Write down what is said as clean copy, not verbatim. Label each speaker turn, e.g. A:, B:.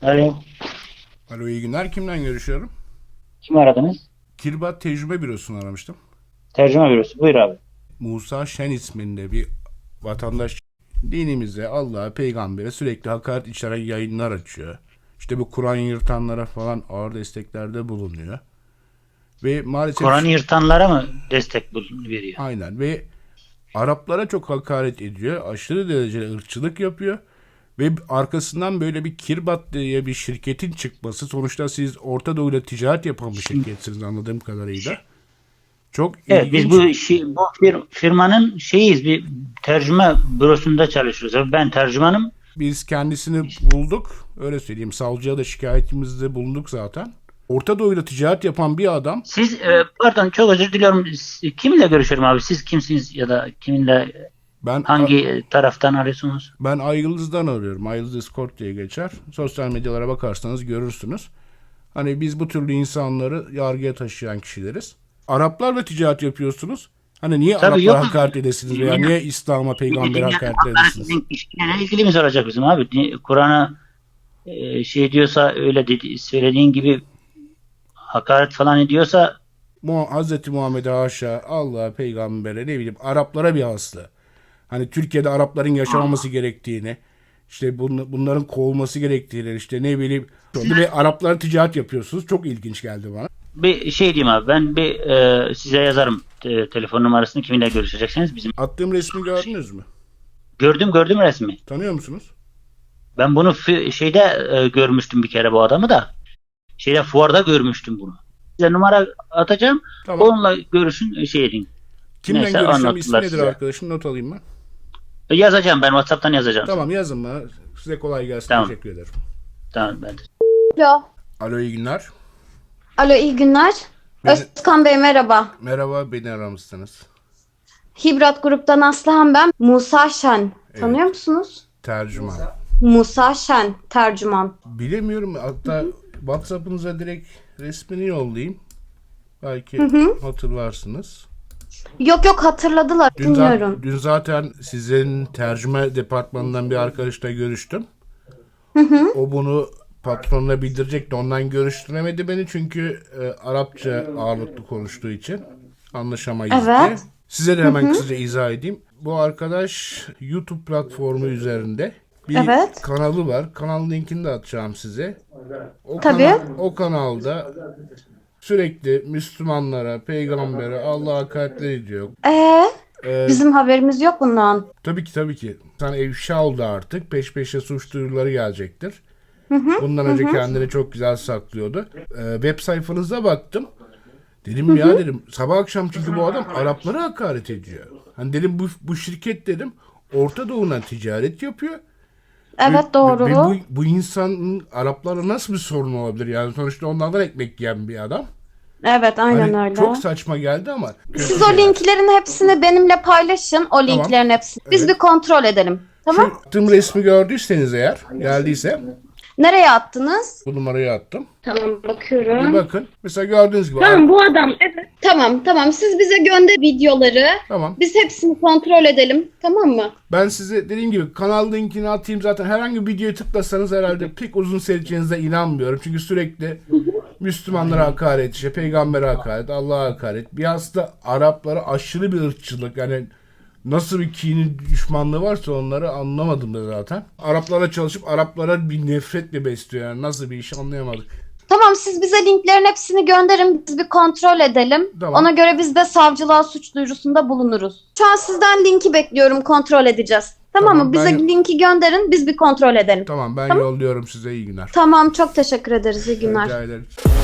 A: Alo.
B: Alo, iyi günler. Kimden görüşüyorum?
A: Kim aradınız?
B: Kirbat Tecrübe Bürosu'nu aramıştım.
A: Tercüme bürosu. Buyur abi.
B: Musa Şen isminde bir vatandaş dinimize, Allah'a, peygambere sürekli hakaret içeren yayınlar açıyor. İşte bu Kur'an yırtanlara falan ağır desteklerde bulunuyor. Ve maalesef
A: Kur'an'ı yırtanlara mı destek veriyor?
B: aynen ve Araplara çok hakaret ediyor. Aşırı derecede ırkçılık yapıyor. Ve arkasından böyle bir Kirbat diye bir şirketin çıkması. Sonuçta siz Orta Doğu'yla ticaret yapan bir şirketsiniz anladığım kadarıyla. Çok
A: Evet, biz
B: ilginç.
A: bu firmanın şeyiyiz. Bir tercüme bürosunda çalışıyoruz. Ben tercümanım.
B: Biz kendisini bulduk. Öyle söyleyeyim. Savcıya da şikayetimizde bulunduk zaten. Orta Doğu'yla ticaret yapan bir adam.
A: Siz pardon, çok özür diliyorum. Kiminle görüşüyorum abi? Siz kimsiniz ya da kiminle,
B: Ben
A: hangi taraftan arıyorsunuz?
B: ben Aygıldız'dan arıyorum. Aygıldız Escort diye geçer. Sosyal medyalara bakarsanız görürsünüz. Hani biz bu türlü insanları yargıya taşıyan kişileriz. Araplarla ticaret yapıyorsunuz. Hani niye
A: Tabii
B: Araplara
A: yok.
B: hakaret edesiniz veya niye İslam'a, peygambere hakaret edesiniz?
A: Sizin işine ilgili mi olacak bizim abi? Kur'an'a şey diyorsa, öyle dedi, söylediğin gibi hakaret falan ediyorsa
B: Hazreti Muhammed'e haşa, Allah'a, peygambere, ne bileyim Araplara bir hasta. Hani Türkiye'de Arapların yaşamaması gerektiğini, işte bunların kovulması gerektiğini, işte ne bileyim ve Araplara ticaret yapıyorsunuz. Çok ilginç geldi bana.
A: bir şey diyeyim abi, ben bir size yazarım telefon numarasını, kiminle görüşeceksiniz bizim.
B: Attığım resmi gördünüz mü?
A: Gördüm resmi.
B: Tanıyor musunuz?
A: Ben bunu şeyde görmüştüm bir kere, bu adamı da. Şeyde, fuarda görmüştüm bunu. Size numara atacağım.
B: Tamam.
A: Onunla görüşün, şey edin.
B: Kimden
A: Neyse,
B: görüşeceğim? İsmi
A: anlattılar
B: nedir
A: size.
B: arkadaşım? Not alayım ben.
A: Yazacağım, ben WhatsApp'tan yazacağım.
B: Tamam, yazın bana. Size kolay gelsin.
A: Tamam.
B: Teşekkür ederim.
A: Tamam, ben de.
C: Alo.
B: Alo, iyi günler.
C: Alo, iyi günler.
B: Beni-
C: Özkan Bey merhaba.
B: Merhaba, beni aramışsınız.
C: Hibrat gruptan Aslıhan ben. Musa Şen. Tanıyor musunuz?
B: Tercüman.
C: Musa Şen, tercüman.
B: Bilemiyorum. Hatta WhatsApp'ınıza direkt resmini yollayayım. Belki hatırlarsınız.
C: Yok hatırladılar. Bilmiyorum.
B: Dün zaten sizin tercüme departmanından bir arkadaşla görüştüm. O bunu patronuna bildirecekti. Ondan görüştüremedi beni çünkü Arapça ağırlıklı konuştuğu için anlaşamayız diye.
C: Evet.
B: Size de hemen kısaca izah edeyim. Bu arkadaş YouTube platformu üzerinde bir
C: Evet.
B: kanalı var. Kanal linkini de atacağım size.
C: Tabii.
B: O kanalda sürekli Müslümanlara, peygambere, Allah'a hakaretler ediyor.
C: Bizim haberimiz yok bundan.
B: Tabii ki. Sana ifşa oldu artık. Peş peşe suç duyuruları gelecektir. Bundan önce kendini çok güzel saklıyordu. Web sayfanıza baktım. Dedim ya dedim sabah akşam çünkü bu adam Araplara hakaret ediyor. Hani dedim bu şirket dedim Orta Doğu'na ticaret yapıyor.
C: Evet, doğru.
B: Ve bu insanın Araplarla nasıl bir sorun olabilir? Yani sonuçta onlardan ekmek yiyen bir adam.
C: Evet, aynen
B: Hani
C: öyle.
B: çok saçma geldi ama.
C: Siz o linklerin hepsini benimle paylaşın. O linklerin hepsini. Biz bir kontrol edelim. Tamam?
B: Şu attığım resmi gördüyseniz eğer geldiyse
C: Nereye attınız?
B: bu numarayı attım.
C: Tamam,
B: Bir
C: bakıyorum.
B: bakın. Mesela gördüğünüz gibi.
C: Tamam, bu adam. Evet. Tamam. Siz bize gönder videoları.
B: Tamam.
C: Biz hepsini kontrol edelim. Tamam mı?
B: Ben size dediğim gibi kanal linkini atayım zaten. Herhangi bir videoyu tıklasanız herhalde pek uzun seyredeceğinize inanmıyorum. Çünkü sürekli Müslümanlara hakaret, işte peygambere hakaret, Allah'a hakaret. Bir aslında Araplara aşırı bir ırkçılık. Yani nasıl bir kinin düşmanlığı varsa onları anlamadım da zaten. Araplara çalışıp Araplara bir nefretle besliyor. Yani nasıl bir iş anlayamadık.
C: Tamam, siz bize linklerin hepsini gönderin. Biz bir kontrol edelim.
B: Tamam.
C: Ona göre biz de savcılığa suç duyurusunda bulunuruz. Şu an sizden linki bekliyorum. Kontrol edeceğiz. Tamam
B: Tamam,
C: mı? Bize
B: ben-
C: linki gönderin. Biz bir kontrol edelim.
B: Tamam, ben yolluyorum size, iyi günler.
C: Tamam, çok teşekkür ederiz. İyi günler.
B: Rica ederim.